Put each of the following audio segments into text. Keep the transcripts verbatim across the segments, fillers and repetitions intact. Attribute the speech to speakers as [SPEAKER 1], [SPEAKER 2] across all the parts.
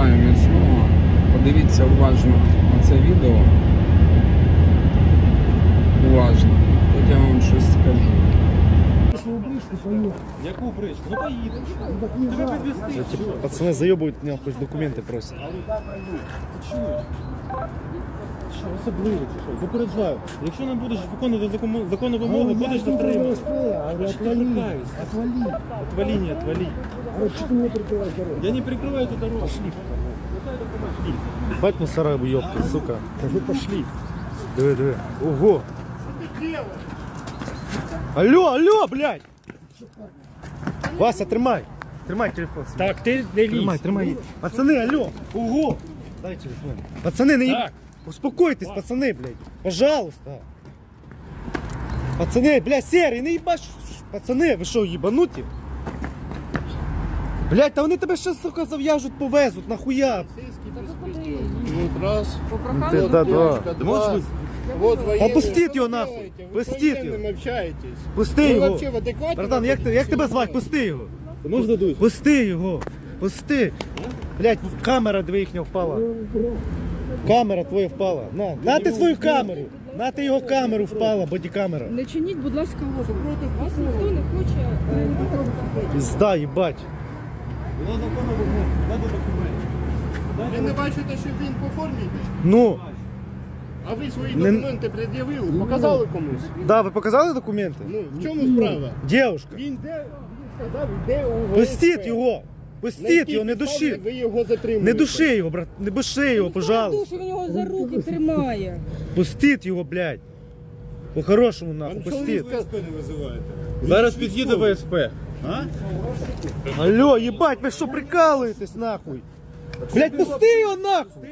[SPEAKER 1] бажаю міцного. Подивіться уважно на це відео. Уважно. Як я вам щось скажу.
[SPEAKER 2] Яку бричку? Ну поїдемо. Тебе підвезти.
[SPEAKER 3] Пацаны заебывают меня, хоть документы просят.
[SPEAKER 2] Що, особливо чи що? Попереджаю. Якщо не будеш виконувати законну- законну вимогу, будеш затриманий. Що я лякаюсь?
[SPEAKER 4] Отвали.
[SPEAKER 2] Отвали, не отвали.
[SPEAKER 4] А что ты мне прикрываешь дорогу?
[SPEAKER 2] Я не прикрываю эту дорогу. Пошли.
[SPEAKER 3] Бать мусора ёбки, сука.
[SPEAKER 4] Вы пошли.
[SPEAKER 3] Диви, диви. Ого. Алло, алло, блядь. Вася, тримай. Тримай телефон. свій.
[SPEAKER 2] Так, ти не
[SPEAKER 3] Тримай, тримай. Пацаны, алло. Ого. Дай телефон. Пацаны, не...
[SPEAKER 2] Так.
[SPEAKER 3] Успокойтесь, пацаны, блядь. Пожалуйста. Пацаны, блядь, серый, не ебаш. Пацаны, ви що, ебануті? Блядь, та вони тебе ще, сука, зав'яжуть, повезуть, нахуя?
[SPEAKER 5] Вот раз.
[SPEAKER 3] Ти, да, да.
[SPEAKER 5] Ты можешь Вот военные.
[SPEAKER 3] пустіть його
[SPEAKER 5] Что
[SPEAKER 3] нахуй,
[SPEAKER 5] делаете? Вы
[SPEAKER 3] пустіть
[SPEAKER 5] с военным
[SPEAKER 3] його.
[SPEAKER 5] общаетесь.
[SPEAKER 3] Пусти
[SPEAKER 5] Вы
[SPEAKER 3] його.
[SPEAKER 5] вообще в адеквате?
[SPEAKER 3] Братан, як, ти- як тебе звати? Пусти його.
[SPEAKER 2] Можна дуй?
[SPEAKER 3] Пусти його. Пусти. Блядь, камера дві їхня впала. Камера твоя впала. На, на ти свою камеру. На ти його камеру впала, бодікамера.
[SPEAKER 6] Не чиніть, будь ласка, опір. Вас ніхто не хоче. е,
[SPEAKER 3] Пізда, їбать.
[SPEAKER 2] Вона законна вимога. Надо документи.
[SPEAKER 5] Ви не бачите, що він по формі йде?
[SPEAKER 3] Ну,
[SPEAKER 5] А ви свої
[SPEAKER 3] Не-
[SPEAKER 5] документи пред'явили, показали комусь?
[SPEAKER 3] да, ви показали документи?
[SPEAKER 5] Ну, в чому справа?
[SPEAKER 3] Дівушка,
[SPEAKER 5] Він де, він сказав, де у
[SPEAKER 3] пустіть його.
[SPEAKER 5] На
[SPEAKER 3] Пустіть
[SPEAKER 5] якій
[SPEAKER 3] його, не
[SPEAKER 5] підставі
[SPEAKER 3] души.
[SPEAKER 5] Ви його затримуєте.
[SPEAKER 3] Не души його, брат, не души його, пожалуйста.
[SPEAKER 6] Душу, він його за руки тримає.
[SPEAKER 3] Пустіть його, блядь. По-хорошому, нахуй,
[SPEAKER 5] Вам
[SPEAKER 3] пустіть.
[SPEAKER 5] чоловік
[SPEAKER 2] Зараз під'їде В С П.
[SPEAKER 3] Алло, ебать, ви що прикалуєтесь, нахуй? Блядь, пусти його, нахуй.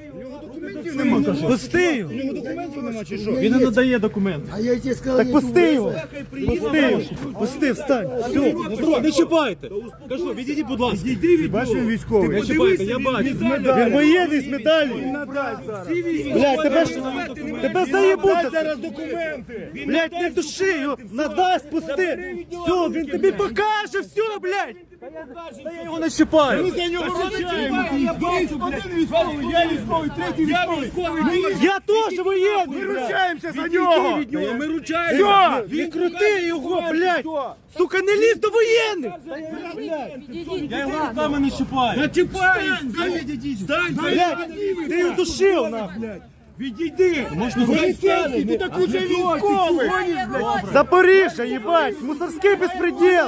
[SPEAKER 3] Пусти його.
[SPEAKER 2] Він не надає документи.
[SPEAKER 4] А я тебе сказал,
[SPEAKER 3] Так
[SPEAKER 4] не
[SPEAKER 3] пусти його. Пусти його. Пусти, встань. Все.
[SPEAKER 2] Не чіпайте. Кажу, відійдіть, будь ласка. Відійди від нього. Він військовий. Не чіпайте, я бачу.
[SPEAKER 3] Він воєнний з медаллю. Блядь, тебе ж, тебе заєбуть.
[SPEAKER 2] Зараз документи.
[SPEAKER 3] Блядь, не души його. Надасть, пусти. Все, він тобі покаже, все, блядь. Та я його не чіпаю.
[SPEAKER 2] За нього розчаємо. Один військовий, я військовий, третій військовий.
[SPEAKER 3] Я теж воєнний. Ми
[SPEAKER 2] ручаємося за нього. Ми ручаємося.
[SPEAKER 3] Все, він крути його, блядь. Сука, не лізь до воєнних.
[SPEAKER 2] Я його руками не чіпаю. Не чіпай. Стань,
[SPEAKER 3] Блядь, ти його душив, нахуй.
[SPEAKER 2] відійди. Поліцейський, ти так уже військовий.
[SPEAKER 3] Запоріжжя, їбать, мусорський безпреділ.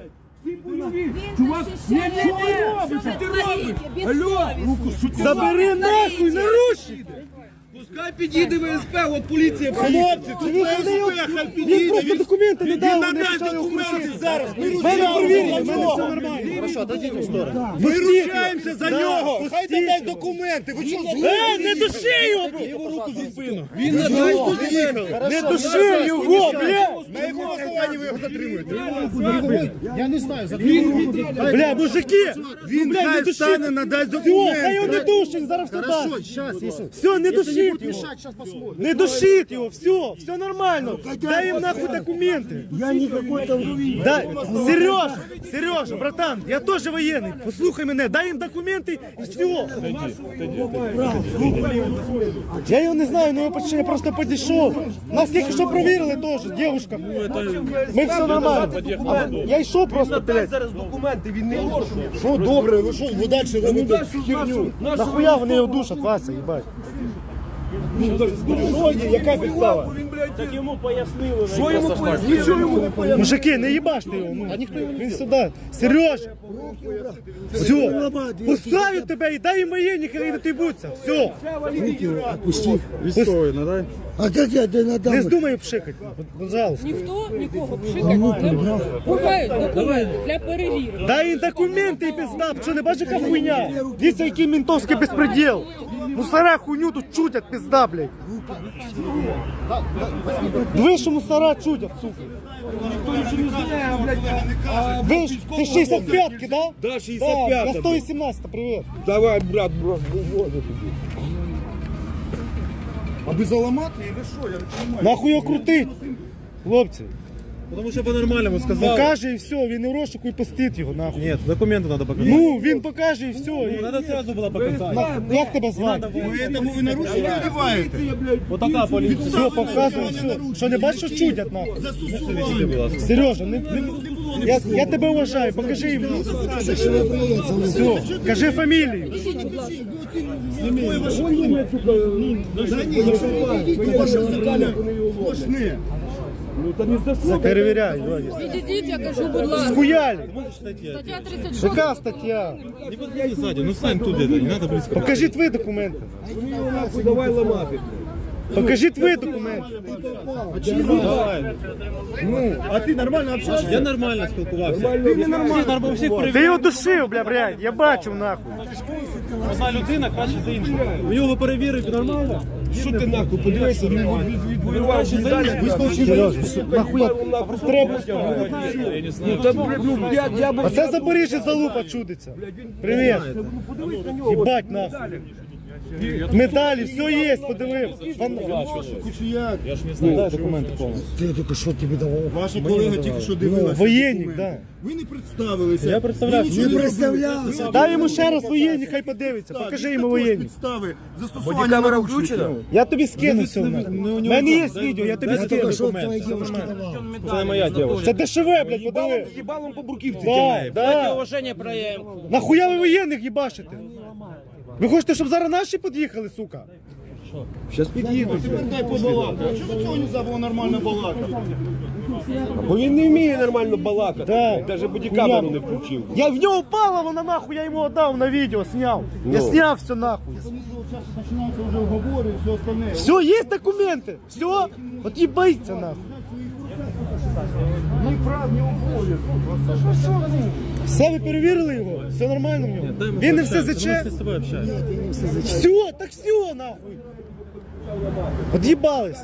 [SPEAKER 6] Чувак, ні, ні, ні, що ти робиш? Алло,
[SPEAKER 3] Забери нахуй, не руші.
[SPEAKER 2] Пускай підійде В С П, от поліція. Хлопці, тут
[SPEAKER 3] Він
[SPEAKER 2] В С
[SPEAKER 3] не
[SPEAKER 2] П, хай
[SPEAKER 3] Він
[SPEAKER 2] підійде.
[SPEAKER 3] просто документи не дав,
[SPEAKER 2] Він
[SPEAKER 3] вони
[SPEAKER 2] надасть
[SPEAKER 3] почали
[SPEAKER 2] документи
[SPEAKER 3] крутити.
[SPEAKER 2] зараз. Ми
[SPEAKER 3] Мене
[SPEAKER 2] ручаємося
[SPEAKER 3] провірили,
[SPEAKER 2] за
[SPEAKER 3] в мене
[SPEAKER 2] нього.
[SPEAKER 3] все нормально.
[SPEAKER 5] Хорошо, дадіть в сторону.
[SPEAKER 2] Ми
[SPEAKER 3] Пустіть
[SPEAKER 2] ручаємося
[SPEAKER 3] його.
[SPEAKER 2] за
[SPEAKER 3] Да,
[SPEAKER 2] нього. Хай
[SPEAKER 3] пустіть
[SPEAKER 2] надасть
[SPEAKER 3] його.
[SPEAKER 2] документи. Ви що,
[SPEAKER 3] Е, не души його, бро.
[SPEAKER 2] Його руку за спину. Він надасть документи.
[SPEAKER 3] Не души його, блядь.
[SPEAKER 2] На якому основанні ви його затримуєте?
[SPEAKER 4] Я не знаю, за
[SPEAKER 3] Бля, мужики,
[SPEAKER 2] Він
[SPEAKER 3] блядь, не
[SPEAKER 2] хай
[SPEAKER 3] души.
[SPEAKER 2] встане, надасть
[SPEAKER 3] Все, хай його не
[SPEAKER 2] документи.
[SPEAKER 3] душить, зараз все
[SPEAKER 4] Хорошо,
[SPEAKER 3] дасть.
[SPEAKER 4] сейчас, если...
[SPEAKER 3] Все, не
[SPEAKER 4] Если не
[SPEAKER 3] душить
[SPEAKER 4] будет
[SPEAKER 3] його.
[SPEAKER 4] мешать, сейчас посмотрим.
[SPEAKER 3] Не душить його, все, все нормально. Дай їм нахуй документи.
[SPEAKER 4] Я не какой-то...
[SPEAKER 3] Дай, Сережа, Сережа, братан, я теж воєнний. Послухай мене, дай їм документи і все. Я його не знаю, але я просто підійшов. Нас тільки що провірили теж, дівчинка. Ми все нормально. А я йшов просто, блядь.
[SPEAKER 2] Зараз документи, він не може.
[SPEAKER 5] Що добре, ви що, ви далі робите херню?
[SPEAKER 3] Нахуя вони його душать, Вася, їбать.
[SPEAKER 2] Яка підстава? Так йому пояснили. Що йому пояснили? Нічого йому не пояснили.
[SPEAKER 3] Мужики, не їбаште його. Ну. Він сюди. Сереж, все, пускають тебе і дай їм воєнні, хай не тибуться. Все,
[SPEAKER 4] Отпусти.
[SPEAKER 2] Військовий, надай.
[SPEAKER 4] А как я тебе
[SPEAKER 3] не
[SPEAKER 4] надам?
[SPEAKER 3] здумай пшикати, пожалуйста.
[SPEAKER 6] ніхто нікого пшикати не буде. Бувають документи для перевірки.
[SPEAKER 3] Дай їм документи і пизда, що не бачиш, яка хуйня? Дивіться, який ментовський безпреділ. Мусора хуйню тут чутять, пизда, блядь. Диви, що мусора чутять, сука. Ви ж, це шістдесят п'ятки, да?
[SPEAKER 2] Да, шістдесят п'ята.
[SPEAKER 3] Я сто вісімнадцять, привіт.
[SPEAKER 2] Давай, брат, брат, виводи тобі. Аби заламати, і ви що, я не розумію.
[SPEAKER 3] Нахуй його крутить, хлопці.
[SPEAKER 2] Тому що по-нормальному сказав.
[SPEAKER 3] Покаже і все, він не в розшуку і пустить його, нахуй.
[SPEAKER 2] Ні, документи треба показати.
[SPEAKER 3] Ну, він покаже і все. І...
[SPEAKER 2] Треба одразу було показати.
[SPEAKER 3] На- Як тебе звати?
[SPEAKER 5] Поэтому ви нарушили одіваєте.
[SPEAKER 2] Отака поліція.
[SPEAKER 3] Все, показуй, все. Що не бачиш, що чудять, нахуй?
[SPEAKER 5] Застосування.
[SPEAKER 3] Сережа, не, не, я, я тебе вважаю, покажи їм. Все, кажи фамілію.
[SPEAKER 5] Сплошне.
[SPEAKER 3] Перевіряй, Ваня.
[SPEAKER 6] Відійдіть, я кажу, будь ласка.
[SPEAKER 3] Скуяли.
[SPEAKER 6] Стаття тридцять шість.
[SPEAKER 3] Яка стаття?
[SPEAKER 2] Не подходи сзади, ну стань тут где-то, не надо близко.
[SPEAKER 3] Покажи твої документи.
[SPEAKER 5] Давай ламати.
[SPEAKER 3] Покажи твої документи.
[SPEAKER 2] Давай.
[SPEAKER 3] Ну,
[SPEAKER 5] А ти нормально общаешься?
[SPEAKER 2] Я нормально спілкувався. Ти не нормально. Всі, всіх
[SPEAKER 3] ти
[SPEAKER 2] перевіряв.
[SPEAKER 3] його душив, бля, блядь, я бачив, нахуй.
[SPEAKER 2] Одна людина краще за іншу. У нього перевірити нормально.
[SPEAKER 5] Що ти нахуй, подивися, він відвоював медаль.
[SPEAKER 3] Сережа, нахуя треба.
[SPEAKER 2] Я не знаю.
[SPEAKER 3] А це Запоріжжя залупа чудиться. Привіт. Їбать нахуй. Медалі, все є, подивив.
[SPEAKER 5] Кучуяк.
[SPEAKER 2] Я ж не знаю. Дай документи повністю.
[SPEAKER 4] Ти тільки що тобі давав?
[SPEAKER 5] Ваша колега тільки що дивилася.
[SPEAKER 3] Воєнник, да.
[SPEAKER 5] Ви не представилися.
[SPEAKER 2] Я представлявся.
[SPEAKER 5] Ви нічого
[SPEAKER 4] Не
[SPEAKER 5] не
[SPEAKER 4] представлявся.
[SPEAKER 3] Дай йому ще раз воєнник, хай подивиться. Покажи йому воєнник.
[SPEAKER 5] Підстави. Застосування камера включена?
[SPEAKER 3] Я тобі скину все. У мене є відео, я тобі
[SPEAKER 4] Я тільки
[SPEAKER 3] скину.
[SPEAKER 4] що твоїй дівчинці давав.
[SPEAKER 2] Це моя дівчина.
[SPEAKER 3] Це дешеве, блядь, подиви.
[SPEAKER 5] Їбалом по бурківці.
[SPEAKER 3] Да, да.
[SPEAKER 6] Уваження проявим.
[SPEAKER 3] Нахуя ви воєнних їбашите? Ви хочете, щоб зараз наші під'їхали, сука?
[SPEAKER 5] Зараз під'їдуть. Дай побалакати. А чого цього не було нормально балакати?
[SPEAKER 7] Бо він не вміє нормально балакати.
[SPEAKER 3] Да.
[SPEAKER 7] Навіть бодікамеру не включив.
[SPEAKER 3] Я в нього впала, вона нахуй, я йому віддав на відео, сняв. Я сняв все нахуй.
[SPEAKER 5] Починаються вже уговори і все остальне.
[SPEAKER 3] Все, є документи. Все, от їбається нахуй.
[SPEAKER 5] Ні прав, ні обов'язків.
[SPEAKER 3] Все, ви перевірили його? Все нормально в нього? Він не все заче?
[SPEAKER 2] З тобою общаюсь.
[SPEAKER 3] Все, так все, нахуй. От'їбались.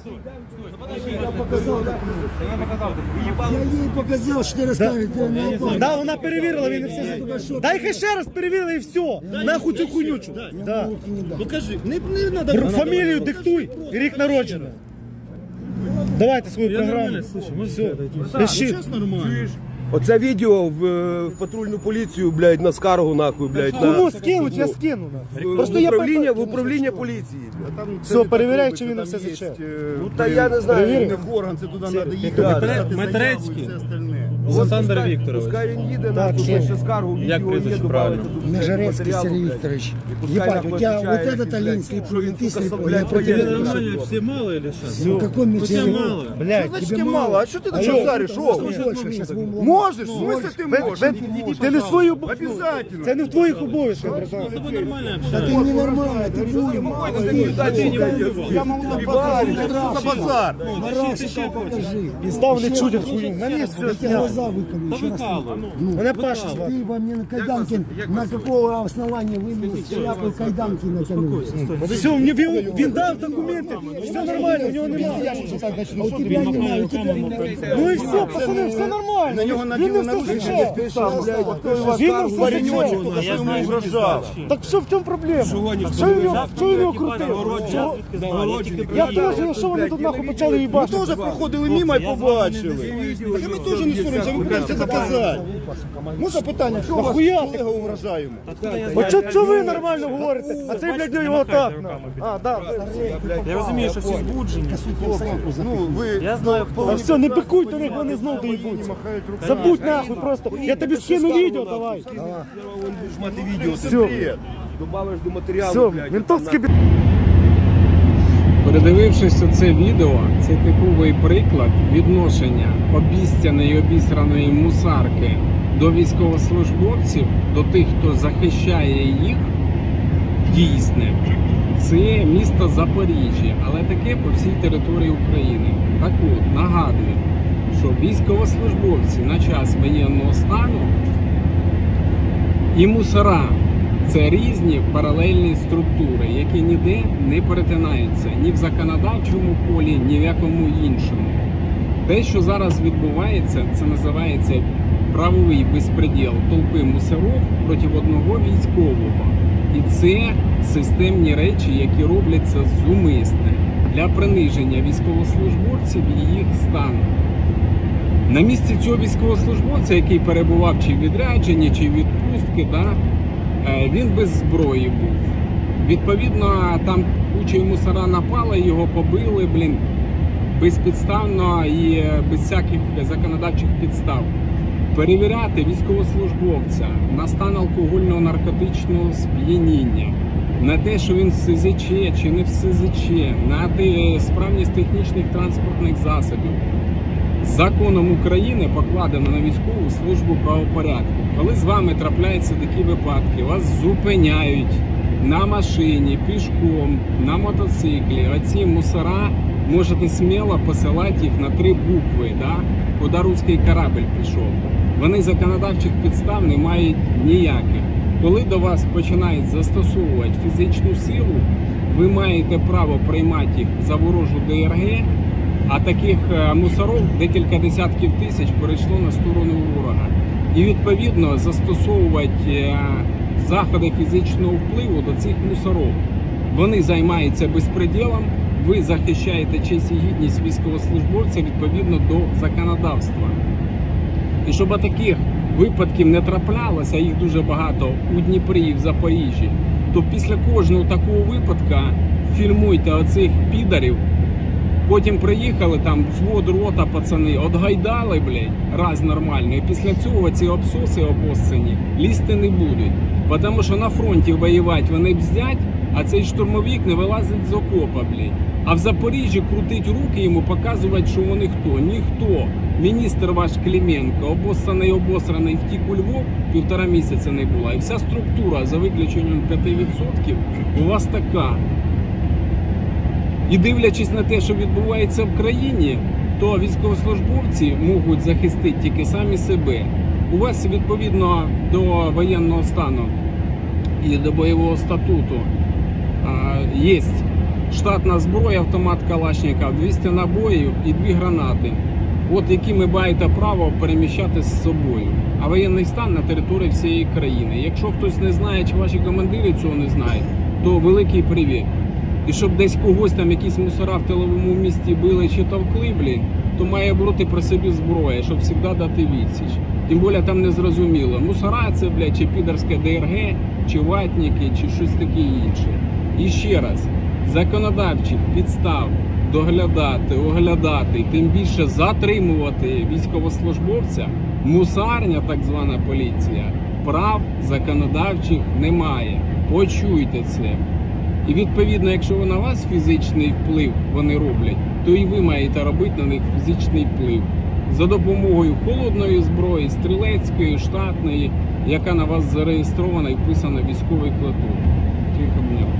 [SPEAKER 4] Я їй показав, що ти розкажеш.
[SPEAKER 3] Да, вона перевірила, він не все заче. Дай хай ще раз перевірили і все. Нахуй цю хуйнючу. Да.
[SPEAKER 5] Покажи. Не, не надо.
[SPEAKER 3] Р- Фамілію диктуй, і рік народження. Давайте свою
[SPEAKER 2] Я
[SPEAKER 3] програму.
[SPEAKER 2] нормально слышу, можеш
[SPEAKER 3] Все,
[SPEAKER 2] отойти?
[SPEAKER 3] пиши.
[SPEAKER 5] Зараз нормально.
[SPEAKER 7] Оце відео в, е, в патрульну поліцію, блядь, на скаргу нахуй, блядь, на
[SPEAKER 3] Кому скинуть, я скину. нахуй.
[SPEAKER 7] в,
[SPEAKER 3] Просто
[SPEAKER 7] в
[SPEAKER 3] я
[SPEAKER 7] управління, в
[SPEAKER 3] питаю.
[SPEAKER 7] управління поліції. блядь.
[SPEAKER 3] Все, перевіряй, чи він на все заче.
[SPEAKER 7] Ну та я не знаю.
[SPEAKER 3] Перевірив?
[SPEAKER 5] Не в орган, це туди треба їхати,
[SPEAKER 7] Метре-
[SPEAKER 5] писати заяву і
[SPEAKER 2] Метрецький.
[SPEAKER 5] все остальне.
[SPEAKER 2] Олександр
[SPEAKER 7] Пускай-
[SPEAKER 2] Вікторович.
[SPEAKER 7] Пускай він їде,
[SPEAKER 3] Так,
[SPEAKER 7] нахуй,
[SPEAKER 3] ще.
[SPEAKER 7] пише скаргу,
[SPEAKER 2] Як
[SPEAKER 7] відео є,
[SPEAKER 2] прізвище
[SPEAKER 7] добавиться
[SPEAKER 2] правильно?
[SPEAKER 7] до
[SPEAKER 4] Межерецький
[SPEAKER 7] матеріалу,
[SPEAKER 4] Сергій
[SPEAKER 7] блядь.
[SPEAKER 4] Вікторович.
[SPEAKER 7] І пускай
[SPEAKER 4] Ебать,
[SPEAKER 7] нахуй
[SPEAKER 4] у тебя
[SPEAKER 7] отвечает,
[SPEAKER 4] вот этот
[SPEAKER 7] блядь,
[SPEAKER 4] Алинский
[SPEAKER 7] що він,
[SPEAKER 4] путистый,
[SPEAKER 7] сука,
[SPEAKER 4] я
[SPEAKER 7] блядь,
[SPEAKER 4] против
[SPEAKER 2] Тебе
[SPEAKER 7] воєнний.
[SPEAKER 4] этого.
[SPEAKER 2] нормально, всі мало или що?
[SPEAKER 4] Ну, какой мне
[SPEAKER 2] Тебе
[SPEAKER 4] тебе
[SPEAKER 2] мало.
[SPEAKER 3] Блядь,
[SPEAKER 5] Значить, ти мало, а що ти так
[SPEAKER 3] Алло.
[SPEAKER 5] шариш? Що?
[SPEAKER 4] больше сейчас будем ломать.
[SPEAKER 5] Можеш, в смысле ти
[SPEAKER 3] ви-
[SPEAKER 5] можеш?
[SPEAKER 3] ви- ти не свою бу-
[SPEAKER 5] Обязательно.
[SPEAKER 3] Це не в твоїх обов'язках, братан.
[SPEAKER 2] З тобою нормально
[SPEAKER 4] Да
[SPEAKER 2] общаюсь.
[SPEAKER 4] ты ненормальный, ты будем.
[SPEAKER 5] Я можу на базарі. Що це за базар?
[SPEAKER 4] Марашика покажи.
[SPEAKER 3] Він став не чудять хуйню. На місці
[SPEAKER 4] Я
[SPEAKER 3] все
[SPEAKER 4] тебе
[SPEAKER 3] зняв.
[SPEAKER 4] глаза выколи.
[SPEAKER 2] Та
[SPEAKER 4] еще раз.
[SPEAKER 2] викалуй.
[SPEAKER 3] Мене Паша звати.
[SPEAKER 4] Ты во мне на кайданке, на какого основания вы мне шляпу кайданки натянули?
[SPEAKER 3] Все, він, він, він дав документи, все нормально, у нього немає.
[SPEAKER 4] А у тебя немає, у тебя немає.
[SPEAKER 3] Ну і все, пацани, все нормально.
[SPEAKER 5] На нього
[SPEAKER 3] Він не
[SPEAKER 5] наділи
[SPEAKER 3] все
[SPEAKER 5] наручники
[SPEAKER 3] заче.
[SPEAKER 5] без підстав, блядь.
[SPEAKER 3] Він не все
[SPEAKER 5] Пареньочок,
[SPEAKER 3] заче.
[SPEAKER 5] тільки що йому угрожав.
[SPEAKER 3] Так що в чому проблема? Що він його, що він його крутив? Чого? Я теж, що вони тут нахуй почали
[SPEAKER 5] Ми
[SPEAKER 3] їбати?
[SPEAKER 5] теж проходили мимо і побачили. Так і ми теж не соромся, ми будемо це доказати. Можна питання, що ваш
[SPEAKER 3] Нахуя
[SPEAKER 5] колега угрожає йому?
[SPEAKER 3] От що, що ви нормально говорите? А цей, блядь, його так. нахуй. А, да.
[SPEAKER 2] Я розумію, що всі збуджені.
[SPEAKER 5] Ну, ви...
[SPEAKER 2] Я знаю,
[SPEAKER 3] А все, не пикуй до них, вони знов доїбуться. Забудь нахуй просто. Я тобі скину відео, давай.
[SPEAKER 5] Будеш мати відео, це
[SPEAKER 3] Все.
[SPEAKER 5] бред.
[SPEAKER 7] Добавиш до матеріалу,
[SPEAKER 3] Все,
[SPEAKER 7] блядь.
[SPEAKER 3] ментовський бі...
[SPEAKER 1] Передивившись це відео, це типовий приклад відношення обіцяної і обісраної мусарки до військовослужбовців, до тих, хто захищає їх, дійсне. Це місто Запоріжжя, але таке по всій території України. Так от, нагадую, що військовослужбовці на час воєнного стану і мусора – це різні паралельні структури, які ніде не перетинаються ні в законодавчому полі, ні в якому іншому. Те, що зараз відбувається, це називається правовий безпреділ толпи мусорів проти одного військового. І це системні речі, які робляться зумисне для приниження військовослужбовців і їх стану. На місці цього військовослужбовця, який перебував чи в відрядженні, чи в відпустки, да, е, він без зброї був. Відповідно, там куча мусора напала, його побили, блін, безпідставно і без всяких законодавчих підстав. Перевіряти військовослужбовця на стан алкогольного наркотичного сп'яніння, на те, що він в ес зет че чи не в ес зет че, на те, справність технічних транспортних засобів. Законом України покладено на військову службу правопорядку. Коли з вами трапляються такі випадки, вас зупиняють на машині, пішком, на мотоциклі, оці мусора, можете сміло посилати їх на три букви, да? Куди руський корабль пішов. Вони законодавчих підстав не мають ніяких. Коли до вас починають застосовувати фізичну силу, ви маєте право приймати їх за ворожу де ер ге, а таких мусорів декілька десятків тисяч перейшло на сторону ворога. І відповідно застосовувати заходи фізичного впливу до цих мусорів. Вони займаються безпреділом, ви захищаєте честь і гідність військовослужбовця відповідно до законодавства. І щоб таких випадків не траплялося, їх дуже багато у Дніпрі і в Запоріжжі, то після кожного такого випадка фільмуйте оцих підарів. Потім приїхали, там взвод, рота, пацани, отгайдали, блядь, раз нормально. І після цього ці обсоси обоссані лізти не будуть. Тому що на фронті воювати вони бздять, а цей штурмовик не вилазить з окопа, блядь. А в Запоріжжі крутить руки йому, показувати, що вони хто. Ніхто. Міністр ваш Клименко, обоссаний, обосраний, втік у Львов, півтора місяця не була. І вся структура, за виключенням п'ять відсотків, у вас така. І дивлячись на те, що відбувається в країні, то військовослужбовці можуть захистити тільки самі себе. У вас відповідно до воєнного стану і до бойового статуту є штатна зброя, автомат Калашников, двісті набоїв і дві гранати, от які ви маєте право переміщати з собою. А воєнний стан на території всієї країни. Якщо хтось не знає, чи ваші командири цього не знають, то великий привіт. І щоб десь когось там якісь мусора в тиловому місті били чи товкли, блін, то має бути при собі зброя, щоб завжди дати відсіч. Тим більше там не зрозуміло, мусора це, блядь, чи підерське де ер ге, чи ватники, чи щось таке інше. І ще раз, законодавчих підстав доглядати, оглядати, тим більше затримувати військовослужбовця, мусарня, так звана поліція, прав законодавчих немає. Почуйте це. І відповідно, якщо на вас фізичний вплив вони роблять, то і ви маєте робити на них фізичний вплив. За допомогою холодної зброї, стрілецької, штатної, яка на вас зареєстрована і вписана в військовий квиток. Тихо,